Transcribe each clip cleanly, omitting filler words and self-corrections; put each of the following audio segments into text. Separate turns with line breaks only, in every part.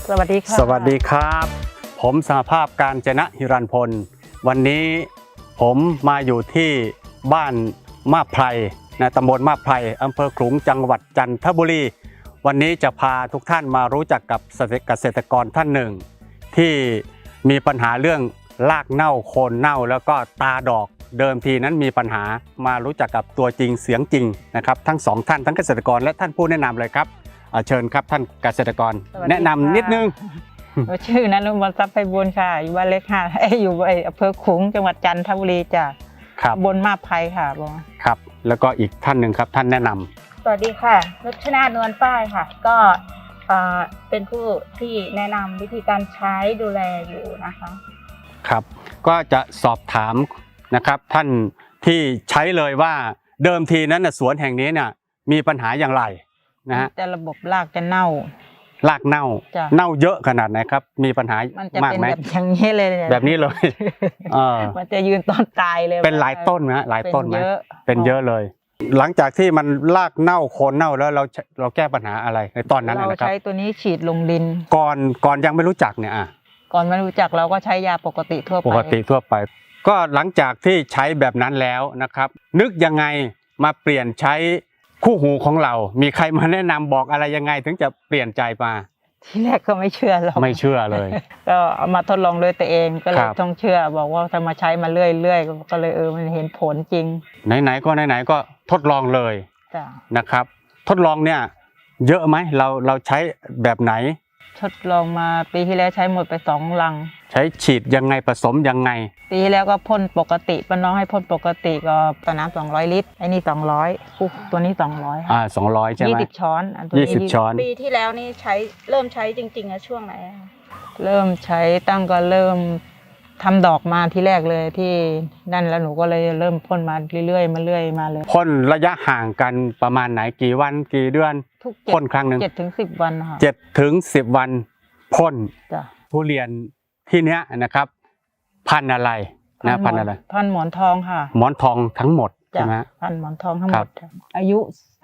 สวัสดีค่ะ
สวัสดีครับผมสหภาพกาญจนะหิรันพลวันนี้ผมมาอยู่ที่บ้านมาบไพรตำบลมาบไพรอำเภอขลุงจังหวัดจันทบุรีวันนี้จะพาทุกท่านมารู้จักกับเกษตรกรท่านหนึ่งที่มีปัญหาเรื่องรากเน่าโคนเน่าแล้วก็ตาดอกเดิมทีนั้นมีปัญหามารู้จักกับตัวจริงเสียงจริงนะครับทั้งสองท่านทั้งเกษตรกรและท่านผู้แนะนำเลยครับเชิญครับท่านเกษตรกรแนะนำนิดนึง
ชื่อนฤมลทรัพย์ไพบูลย์ค่ะอยู่บ้านเล็กค่ะอยู่อำเภอขลุงจังหวัดจันทบุรีจ้ะบนมาบไพรค่ะ
ครับแล้วก็อีกท่านหนึ่งครับท่านแนะนำ
สวัสดีค่ะนุชนานวลป้ายค่ะก็เป็นผู้ที่แนะนำวิธีการใช้ดูแลอยู่นะคะ
ครับก็จะสอบถามนะครับท่านที่ใช้เลยว่าเดิมทีนั้นสวนแห่งนี้เนี่ยมีปัญหาอย่างไรนะฮะ
จะระบบรากจะเน่าร
ากเน่าเยอะขนาดไหนครับมีปัญหามากไหม
แบบอย่างนี้เลย
แบบนี้เลย
มันจะยืนต้นตายเลย
เป็นหลายต้นนะหลายต้นไหมเป็นเยอะเลยหลังจากที่มันรากเน่าโคนเน่าแล้วเราแก้ปัญหาอะไรในตอนนั้นนะครับ
เราใช้ตัวนี้ฉีดลงดิน
ก่อนยังไม่รู้จักเนี่ย
ก่อนไม่รู้จักเราก็ใช้ยาปกติทั่ว
ไปก็หลังจากที่ใช้แบบนั้นแล้วนะครับนึกยังไงมาเปลี่ยนใช้คู่หูของเรามีใครมาแนะนำบอกอะไรยังไงถึงจะเปลี่ยนใจมา
ที่แรกก็ไม่เชื่อเรา
ไม่เชื่อเลย
ก็เอามาทดลองด้วยตัวเองก็เลยต้องเชื่อบอกว่าถ้ามาใช้มาเรื่อยๆก็เลยมันเห็นผลจริง
ไหนๆก็ทดลองเลยนะครับทดลองเนี่ยเยอะไหมเราใช้แบบไหน
ทดลองมาปีที่แล้วใช้หมดไป2 ลัง
ใช้ฉีดยังไงผสมยังไง
ปีที่แล้วก็พ่นปกติป้าน้องให้พ่นปกติก็ต่อน้ำ200 ลิตรไอ้นี่200ตัวนี้200
200ใช่ไหม
20 ช้อน
20 ช้อน
ปีที่แล้วนี่เริ่มใช้จริงๆช่วงไหน
เริ่มใช้ตั้งก็เริ่มทำดอกมาที่แรกเลยที่นั่นแล้วหนูก็เลยเริ่มพ่นมาเรื่อยมาเลย
พ่นระยะห่างกันประมาณไหนกี่วันกี่เดือนพ่นครั้งหนึ่ง
7 ถึง 10 วันค่ะ
7 ถึง 10 วันพ่นทุเรียนที่เนี้ยนะครับพันธุ์อะไรนะพันธุ์อะไร
พันธุ์หมอนทองค่ะ
หมอนทองทั้งหมดใช่ไหม
พันธุ์หมอนทองทั้งหมดอายุ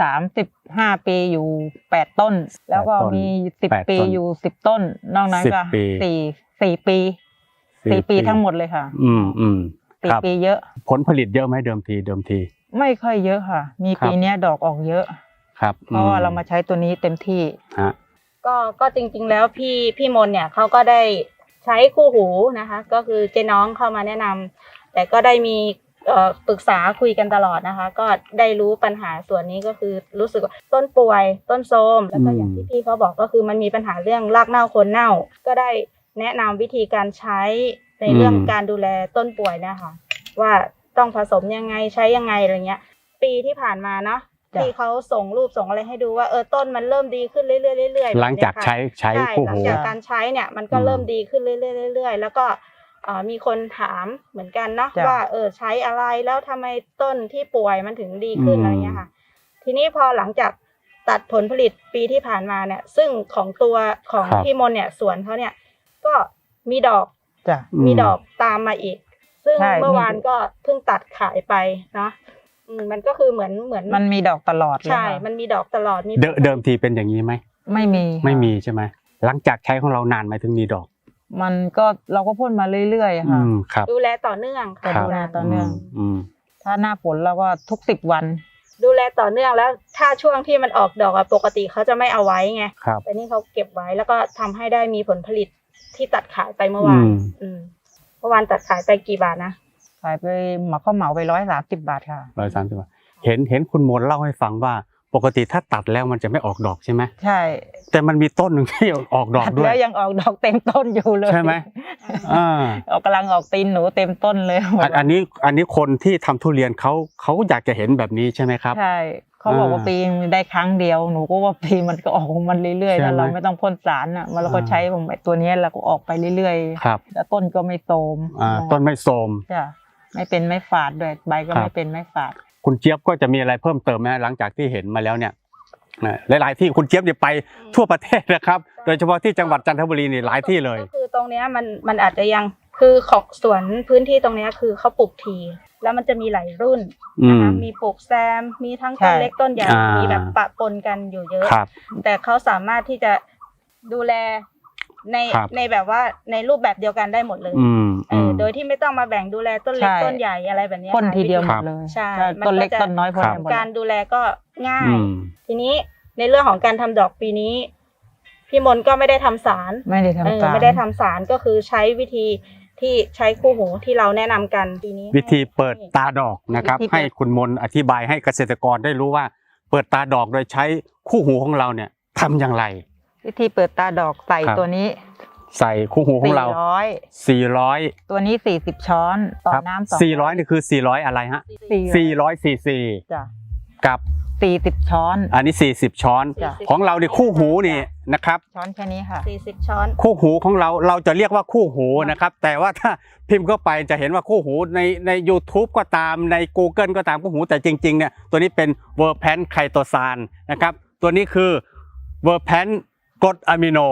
35 ปีอยู่8 ต้นแล้วก็มี10 ปีอยู่10 ต้นนอกนั้นก็4 ปีทั้งหมดเลยค่ะ4 ปีเยอะ
ผลผลิตเยอะไหมเดิมที
ไม่ค่อยเยอะค่ะมีปีนี้ดอกออกเยอะ
ครับ
เพราะว่าเรามาใช้ตัวนี้เต็มที่
ก็จริงๆแล้วพี่มนเนี่ยเขาก็ได้ใช้คู่หูนะคะก็คือเจ๊น้องเข้ามาแนะนำแต่ก็ได้มีปรึกษาคุยกันตลอดนะคะก็ได้รู้ปัญหาส่วนนี้ก็คือรู้สึกว่าต้นป่วยต้นโทรมแล้วก็อย่างที่พี่เขาบอกก็คือมันมีปัญหาเรื่องรากเน่าโคนเน่าก็ได้แนะนำวิธีการใช้ในเรื่องการดูแลต้นป่วยนะคะว่าต้องผสมยังไงใช้ยังไงอะไรเงี้ยปีที่ผ่านมาเนาะที่เขาส่งรูปส่งอะไรให้ดูว่าต้นมันเริ่มดีขึ้นเรื่อย
ๆหลังจากใช้คู่หู
หลังจากการใช้เนี่ยมันก็เริ่มดีขึ้นเรื่อยๆแล้วก็มีคนถามเหมือนกันเนาะว่าใช้อะไรแล้วทำไมต้นที่ป่วยมันถึงดีขึ้นอะไรเงี้ยค่ะทีนี้พอหลังจากตัดผลผลิตปีที่ผ่านมาเนี่ยซึ่งของตัวของพี่มนเนี่ยสวนเขาเนี่ยก็มีดอกตามมาอีกซึ่งเมื่อวานก็เพิ่งตัดขายไปเนาะมันก็คือเหมือน
มันมีดอกตลอด
ใช่มันมีดอกตลอด
เดิมทีเป็นอย่างนี้ไหมไม่มีใช่ไหมหลังจากใช้ของเรานานไหมถึงมีดอก
มันก็เราก็พ่นมาเรื่อยๆค่ะ
ดูแลต่อเนื่องค่ะ
ดูแลต่อเนื่องถ้าหน้าฝนเราก็ทุก10 วัน
ดูแลต่อเนื่องแล้วถ้าช่วงที่มันออกดอกปกติเขาจะไม่เอาไว้ไงแต่นี่เขาเก็บไว้แล้วก็ทำให้ได้มีผลผลิตที่ตัดขายไปเมื่อวานตัดขายไปกี่บาทนะ
ขายไปข้าวเหมาไป130 บาทค่ะ
130 บาทเห็นคุณมนเล่าให้ฟังว่าปกติถ้าตัดแล้วมันจะไม่ออกดอกใช่ไหม
ใช่
แต่มันมีต้นหนึ่งที่ออกดอกด้วย
แล้วยังออกดอกเต็มต้นอยู่เลย
ใช่ไหม
กำลังออกตีนหนูเต็มต้นเลย
อันนี้คนที่ทำทุเรียนเขาอยากจะเห็นแบบนี้ใช่ไหมครับ
ใช่เขาบอกว่าปีได้ครั้งเดียวหนูก็ว่าปีมันก็ออกมันเรื่อยๆแล้วเราไม่ต้องพ่นสารเราก็ใช้ตัวนี้เราก็ออกไปเรื่อยๆแล้วต้นก็ไม่โทรม
ต้นไม่โทรม
จ้ะไม่เป็นไม่ฝาดด้วยใบก็ไม่เป็นไม่ฝาด
คุณเจี๊ยบก็จะมีอะไรเพิ่มเติมไหมหลังจากที่เห็นมาแล้วเนี่ยหลายๆที่คุณเจี๊ยบจะไปทั่วประเทศนะครับโดยเฉพาะที่จังหวัดจันทบุรีนี่หลายที่เลย
ก็คือตรงนี้มันอาจจะยังคือของสวนพื้นที่ตรงนี้คือเขาปลูกทีแล้วมันจะมีหลายรุ่นนะคะมีปลูกแซมมีทั้งต้นเล็กต้นใหญ่มีแบบปะปนกันอยู่เยอะแต่เขาสามารถที่จะดูแลใน
ครับ
ในแบบว่าในรูปแบบเดียวกันได้หมดเลย โดยที่ไม่ต้องมาแบ่งดูแลต้นเล็ก
ใช่
ต้นใหญ่อะไรแบบนี้
พ่นทีเดียวหม
ครั
ด
บ
เลย
ใช่
ต้นเล็ก
มันก็จะ
ต้นน้อยพ่น
ครับ
ได้หมด
การดูแลก็ง่าย
อืม
ทีนี้ในเรื่องของการทำดอกปีนี้ พี่มนต์ก็ไม่ได้ทำสาร
ไม่ได้ทำสาร
ไม่ได้ทำสารก็คือใช้วิธีที่ใช้คู่หูที่เราแนะนำกันปีนี้
วิธีเปิดตาดอกนะครับ
วิธีเปิด
ให้คุณมนต์อธิบายให้เกษตรกรได้รู้ว่า เปิดตาดอกโดยใช้คู่หูของเราเนี่ยทำอย่างไร
วิธีเปิดตาดอกใส่
ครับ
ตัวนี้
ใส่คู่หูของเรา 400
ตัวนี้40 ช้อนต่อ
ครับ
น้ำ200
400นี่คือ400อะไรฮะ400ซีซี
จ้ะ
กับ
40 ช้อน
อันนี้40 ช้อน
จ้ะ
ของเรานี่คู่หูนี่นะครับ
ช้อนแค่นี้ค่ะ
40 ช้อน
คู่หูของเราจะเรียกว่าคู่หูนะครับ แต่ว่าถ้าพิมพ์เข้าไปจะเห็นว่าคู่หูใน YouTube ก็ตามใน Google ก็ตามคู่หูแต่จริงๆเนี่ยตัวนี้เป็นเวอร์แพนไคโตซานนะครับตัวนี้คือเวอร์แพนกรดอะมิโน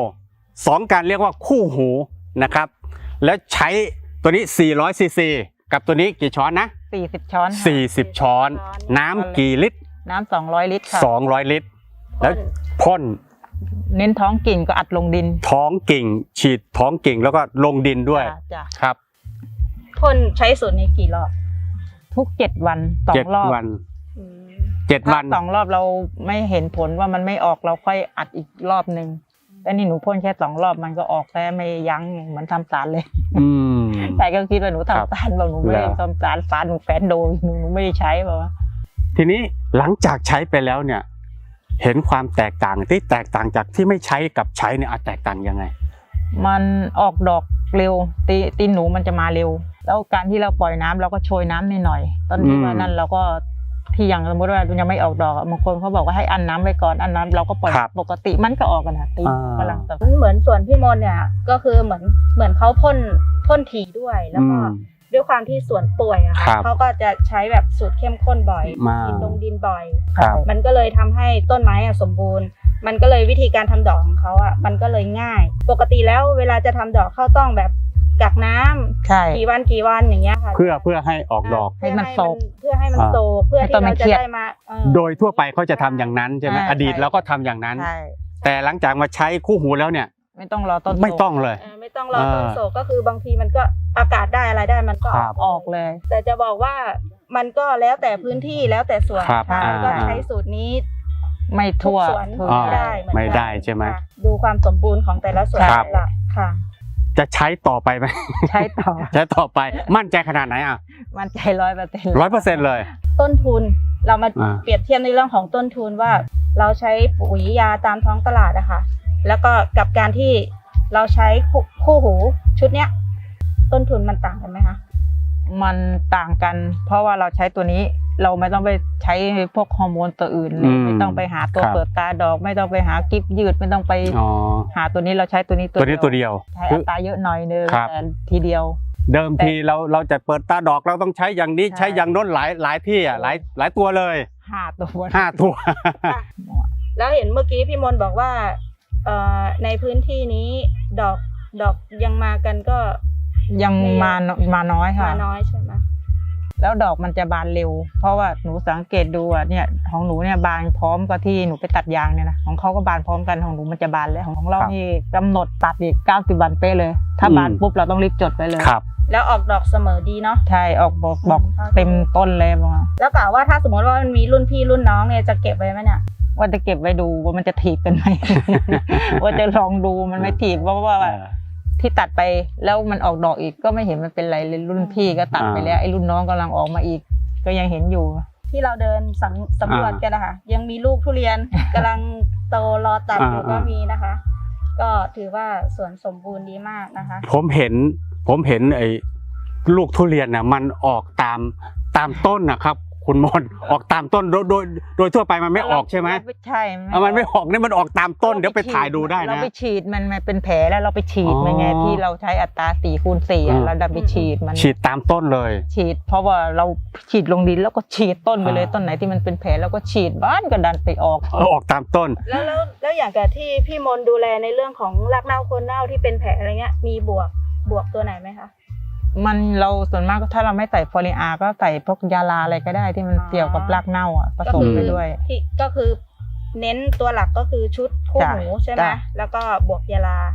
2การเรียกว่าคู่หูนะครับแล้วใช้ตัวนี้400ซีซีกับตัวนี้กี่ช้อนนะ
40 ช้อนค่ะ
40 ช้อน น้ำกี่ลิตร
น้ำ200 ลิตรค่ะ
200 ลิตร แล้วพ่น
เน้นท้องกิ่งก็อัดลงดิน
ท้องกิ่งฉีดท้องกิ่งแล้วก็ลงดินด้วย
จ้ะ
ครับ
พ่นใช้สูตรนี้กี่รอบ
ทุก7 วัน
เจ็ด
2 รอบ
วัน
อืม
7 วัน
ถ้า2 รอบเราไม่เห็นผลว่ามันไม่ออกเราค่อยอัดอีกรอบนึงแต่นี่หนูพ่นแค่2 รอบมันก็ออกแต่ไม่ยั้งเหมือนทำสารเลย
อืม
แต่ก็คิดว่าหนู
ครับ
ทำสารบอกหนูไม่ได้
แล้ว
ทำสารหนูแฟนโดนหนูไม่ได้ใช้บอกว่า
ทีนี้หลังจากใช้ไปแล้วเนี่ย เห็นความแตกต่างที่แตกต่างจากที่ไม่ใช้กับใช้เนี่ยแตกต่างยังไง
มันออกดอกเร็วตีนหนูมันจะมาเร็ว แล้วการที่เราปล่อยน้ำเราก็โชยน้ำนิดหน่อยตอนที่ว่านั่นเราก็ที่อย่างสมมติว่ามันยังไม่ออกดอกอะบางคนเขาบอกว่าให้อั้นน้ำไว้ก่อนอั้นน้ำเราก็ปล่อย
ครับ
ปกติมันก็ออกกันนะตีน
อ่า
กำลังแต่
เหมือนส่วนพี่มนต์เนี่ยก็คือเหมือนเขาพ่นถี่ด้วยแล้วก็ด้วยความที่สวนป่วยอะ
ครั
ค่ะ
บ
เขาก็จะใช้แบบสูตรเข้มข้นบ่อย
มา
ฉีดลงดินบ่อย
ครับ
มันก็เลยทำให้ต้นไม้อะสมบูรณ์ มันก็เลยวิธีการทำดอกของเขาอะมันก็เลยง่าย ปกติแล้วเวลาจะทำดอกเขาต้องแบบกักน้ำ
ใช่
กี่วันอย่างเงี้ยค่ะ
เพื่อให้ออกดอก
ให้มันโศก
เพื่อให้มันโศกเพื่อ
ให้ต้
ที่
นมั
เรา
น
จะ
เครียด
ได้มา
โดยทั่วไปเขาจะทำอย่างนั้นใช่ไหม
ใช่
อดีตเราก็ทำอย่างนั้น
ใช่
แต่หลังจากมาใช้คู่หูแล้วเนี่ย
ไม่ต้องรอต้น
ไม่ต้องเลย
ไม่ต้องรอต้นโศกก็คือบางทีมันก็อากาศได้อะไรได้มันก็
ครับ
ออกเลย
แต่จะบอกว่ามันก็แล้วแต่พื้นที่แล้วแต่สวน
ครับ
ค่ะ
อ่า
ก็ใช้สูตรนี้
ไม่
ทุก
ทั่ว
สวน
ทั่ว
อ๋อ
ไม่ได้เหมือนกัน
ไม่ได้ใช่ไหม
ค่ะดูความสมบูรณ์ของแต่ละสวน
ครับ
หลักค่ะ
จะใช้ต่อไปไหม
ใช้ต่อ
ใช้ต่อไปมั่นใจขนาดไหนอ่ะ
มันใจ100%
100%เลย
ต้นทุนเรามา
อ่า
เปรียบเทียบในเรื่องของต้นทุนว่า เราใช้ปุ๋ยยาตามท้องตลาดอะค่ะแล้วก็กับการที่เราใช้คู่หูชุดเนี้ยต้นทุนมันต่างกันไหมคะ
มันต่างกัน เพราะว่าเราใช้ตัวนี้เราไม่ต้องไปใช้พวกฮอร์โมนตัวอื่นเลยไม่ต้องไปหาตัว
ครับ
เปิดตาดอก ไม่ต้องไปหากิฟยืดไม่ต้องไป
อ๋อ
หาตัวนี้เราใช้ตัวนี้
ตัวนี้ตัวเดียว
ใช้
คื
อั
อ
ตราเยอะหน่อยนึง
ครับ
แต่ทีเดียว
เดิมทีเราจะเปิดตาดอกเราต้องใช้อย่างนี้
ใช่
ใช้อย่างโน้นหลายที่อ่ะหลายตัวเลย
5 ตัว
5 ตัว
แล้วเห็นเมื่อกี้พี่มนต์บอกว่าในพื้นที่นี้ดอกยังมากันก็
ยังมาน้อยค่ะ
มาน้อยใช่ไหม
แล้วดอกมันจะบานเร็ว เพราะว่าหนูสังเกตดูอ่ะเนี่ยของหนูเนี่ยบานพร้อมกับที่หนูไปตัดยางเนี่ยนะของเขาก็บานพร้อมกันของหนูมันจะบานแล้วของเรา
ครับ
นี่กำหนดตัดอีก90 วันเป๊ะเลย ถ้าบานปุ๊บเราต้องรีบจดไปเลย
ครับ
แล้วออกดอกเสมอดีเนาะ
ใช่ออกบอกเต็มต้นเลยบอกว่า
แล้วกล่าวว่าถ้าสมมติว่ามันมีรุ่นพี่รุ่นน้องเนี่ยจะเก็บไว้ไหมเนี่ย
ว่าจะเก็บไว้ดูว่ามันจะถีบกันไหม ว่าจะลองดูมันไม่ถีบเพราะว่าที่ตัดไปแล้วมันออกดอกอีกก็ไม่เห็นมันเป็นไรเลยรุ่นพี่ก็ตัดไปแล้วไอ้รุ่นน้องกำลังออกมาอีก ก็ยังเห็นอยู่
ที่เราเดินสำรวจกันนะคะยังมีลูกทุเรียน กำลังโตรอตัดอยู่ก็มีนะคะ ก็ถือว่าสวนสมบูรณ์ดีมากนะคะ
ผมเห็นไอ้ลูกทุเรียนน่ะมันออกตามต้นนะครับ คุณมนต์ออกตามต้นโดยทั่วไปมันไม่ออกใช่ไหม
ใช่
มันไม่ออกเนี่ยมันออกตามต้นเดี๋ยวไปถ่ายดูได้
เรา
นะ
ไปฉีดมันเป็นแผลแล้วเราไปฉีดมันไง
อ๋อ
ที่เราใช้อัตรา4/4อ่ะเราดันไปฉีดมัน
ฉีดตามต้นเลย
ฉีด เพราะว่าเราฉีดลงดินแล้วก็ฉีดต้นไปเลย
อ่า
ต้นไหนที่มันเป็นแผลแล้วก็ฉีดบ้านก็ดันไปออก
ออกตามต้น
แล้วอย่างกับที่พี่มนต์ดูแลในเรื่องของรากเน่าโคนเน่าที่เป็นแผลอะไรเงี้ยมีบวกตัวไหนไหมคะ
มันเราส่วนมากถ้าเราไม่ใส่ฟอลิอาก็ใส่พวกยาลาอะไรก็ได้ที่มันเกี่ยวกับรากเน่าอ่ะผสมไปด้วย
ก็คือเน้นตัวหลักก็คือชุดคู่หูใช่ไหม
จ้ะ
แล้วก็บวกยาลา
จ้ะ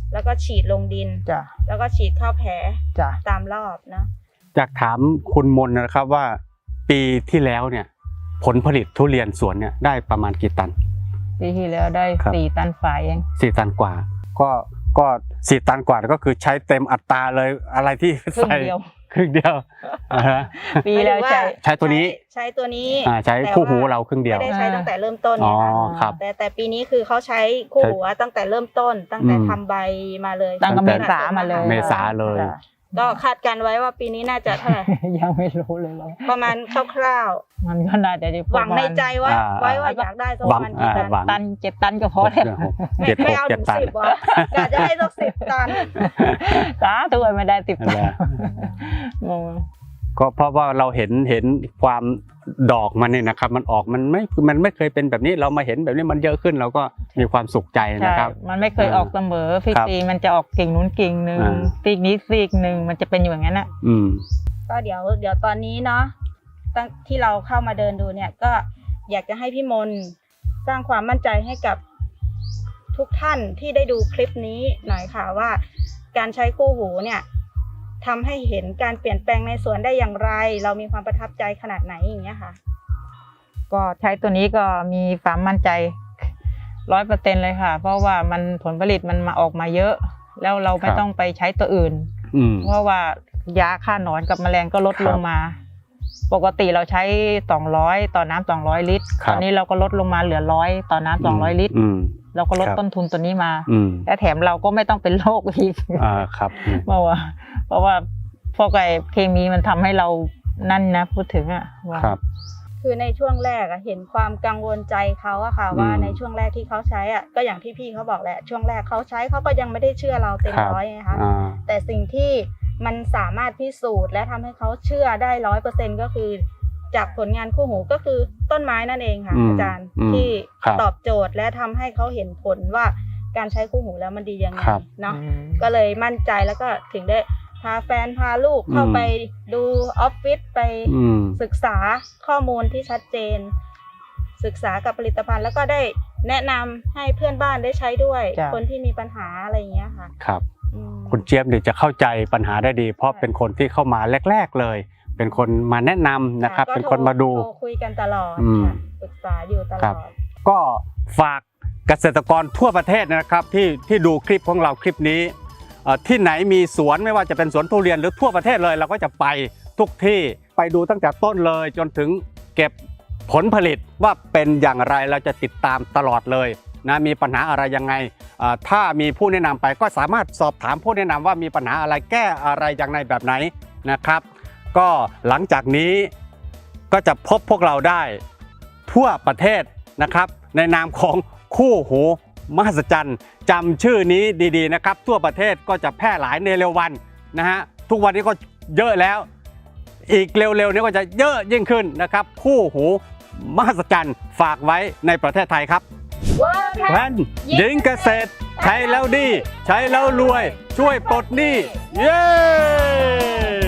แล้วก็ฉีดลงดิน
จ้ะ
แล้วก็ฉีดเข้าแผล
จ้ะ
ตามรอบเนาะ
อยากถามคุณมนนะครับว่าปีที่แล้วเนี่ยผลผลิตทุเรียนสวนเนี่ยได้ประมาณกี่ตัน
ปีที่แล้วได้
ครับ
4 ตันฝ่ายเอง
4 ตันกว่าก็4 ตันกว่าก็คือใช้เต็มอัตราเลยอะไรที่
ครึ่ง
ใส่
เดียว
ครึ่งเดียวอ่าฮะ
ปีแล้วใช่
ใช้ตัวนี้
ใช้ตัวนี้
ใช้คู่หูเราครึ่งเดียว
ไม่ได้ใช้ตั้งแต่เริ่มต้น
อ๋อ
ไง
ครับ
แต่ปีนี้คือเขาใช้คู่หูตั้งแต่เริ่มต้น ตั้งแต่
อืม
ทำใบมาเลย
ตั้งแต่เมษามาเลย
เมษาเลย
จ้ะ
ก็คาดการไว้ว่าปีนี้น่าจะเท่าไหร่
ยังไม่รู้เลยว่า
ประมาณคร่าว
มันก็น่าจะได้
ๆหวังในใจว่า
อ่า
ไว้ว่าอยากได้สัก
ห
ป
วัง
ระมาณกี่ตัน
หวัง
ตัน7 ตันก็พอแล้ว
ไม่ไม่เอาถึง
7 ตัน
10วะกะจะให้สัก10 ตัน
สาธุไม่ได้10 ตัน
แล้ว
งง
ก็เพราะว่าเราเห็นความดอกมันเนี่ยนะครับมันออกมันไม่เคยเป็นแบบนี้เรามาเห็นแบบนี้มันเยอะขึ้นเราก็มีความสุขใจ
ใช่
นะครับ
มันไม่เคยออกเสมอพี่
ครับ
ตีมันจะออกกิ่งนู้นกิ่งหนึ่ง
อ่า
ซีกนี้ซีกหนึ่งมันจะเป็นอยู่อย่างนั้นน่ะ
อืม
ก็เดี๋ยวตอนนี้เนาะตั้งที่เราเข้ามาเดินดูเนี่ยก็อยากจะให้พี่มนต์สร้างความมั่นใจให้กับทุกท่านที่ได้ดูคลิปนี้หน่อยค่ะว่า การใช้คู่หูเนี่ยทำให้เห็นการเปลี่ยนแปลงในสวนได้อย่างไร เรามีความประทับใจขนาดไหนอย่างเงี้ยค่ะ
ก็ใช้ตัวนี้ก็มีความมั่นใจ100%เลยค่ะ เพราะว่ามันผลผลิตมันมาออกมาเยอะ แล้วเราไม่
ครับ
ต้องไปใช้ตัวอื่น
อืม
เพราะว่ายาฆ่าหนอนกับแมลงก็ลด
ครับ
ลงมา ปกติเราใช้200ต่อน้ำ200 ลิตร
ครับ
ตอนนี้เราก็ลดลงมาเหลือ100ต่อน้ำ200 ลิตร
อืม
เราก็ลด
ครับ
ต้นทุนตัวนี้มา
อืม
และแถมเราก็ไม่ต้องเป็นโรคอีก
ครับ
เพราะว่าพวกไอ้เคมีมันทำให้เรานั่นนะพูดถึงอ่ะว่า
ครับ
คือในช่วงแรกอะเห็นความกังวลใจเขาอะค่ะ ว่าในช่วงแรกที่เขาใช้อะก็อย่างที่พี่เขาบอกแหละช่วงแรกเขาใช้เขาก็ยังไม่ได้เชื่อเราเต็ม
ครับ
ร้อยไงคะ
อ่า
แต่สิ่งที่มันสามารถพิสูจน์และทำให้เขาเชื่อได้100%ก็คือจากผลงานคู่หูก็คือต้นไม้นั่นเองค่ะ
อืม
อาจารย์
อืม
ที่
ครับ
ตอบโจทย์และทำให้เขาเห็นผลว่าการใช้คู่หูแล้วมันดียังไง
ครับ
เนาะ
อืม
ก็เลยมั่นใจแล้วก็ถึงได้พาแฟนพาลูกเข้าไปดูออฟฟิศไป
อืม
ศึกษาข้อมูลที่ชัดเจน ศึกษากับผลิตภัณฑ์แล้วก็ได้แนะนำให้เพื่อนบ้านได้ใช้ด้วย
จ้ะ
คนที่มีปัญหาอะไรอย่างเงี้ยค่ะ
ครับ
อืม
คุณเจี๊ยบเนี่ยจะเข้าใจปัญหาได้ดี เพราะเป็นคนที่เข้ามาแรก ๆเลย เป็นคนมาแนะนำนะครับ
ก็
เป็นคนมาดู
โทรคุยกันตลอด
อืม
ค่ะปรึกษาอยู่ตล
ครั
อบ ด
ก็ฝากเกษตรกรทั่วประเทศนะครับที่ดูคลิปของเราคลิปนี้ที่ไหนมีสวนไม่ว่าจะเป็นสวนทุเรียนหรือทั่วประเทศเลยเราก็จะไปทุกที่ไปดูตั้งแต่ต้นเลยจนถึงเก็บผลผลิตว่าเป็นอย่างไรเราจะติดตามตลอดเลยนะมีปัญหาอะไรยังไงถ้ามีผู้แนะนำไปก็สามารถสอบถามผู้แนะนำว่ามีปัญหาอะไรแก้อะไรอย่างไรแบบไหนนะครับ ก็หลังจากนี้ก็จะพบพวกเราได้ทั่วประเทศนะครับในนามของคู่หูมหัศจรรย์จำชื่อนี้ดีๆนะครับทั่วประเทศก็จะแพร่หลายในเร็ววันนะฮะทุกวันนี้ก็เยอะแล้ว อีกเร็วๆนี้ก็จะเยอะยิ่งขึ้นนะครับคู่หูมหัศจรรย์ฝากไว้ในประเทศไทยครับแพนยิงเกษตรใช้แล้วดี ใช้แล้วรวย ช่วยปลดหนี้เย้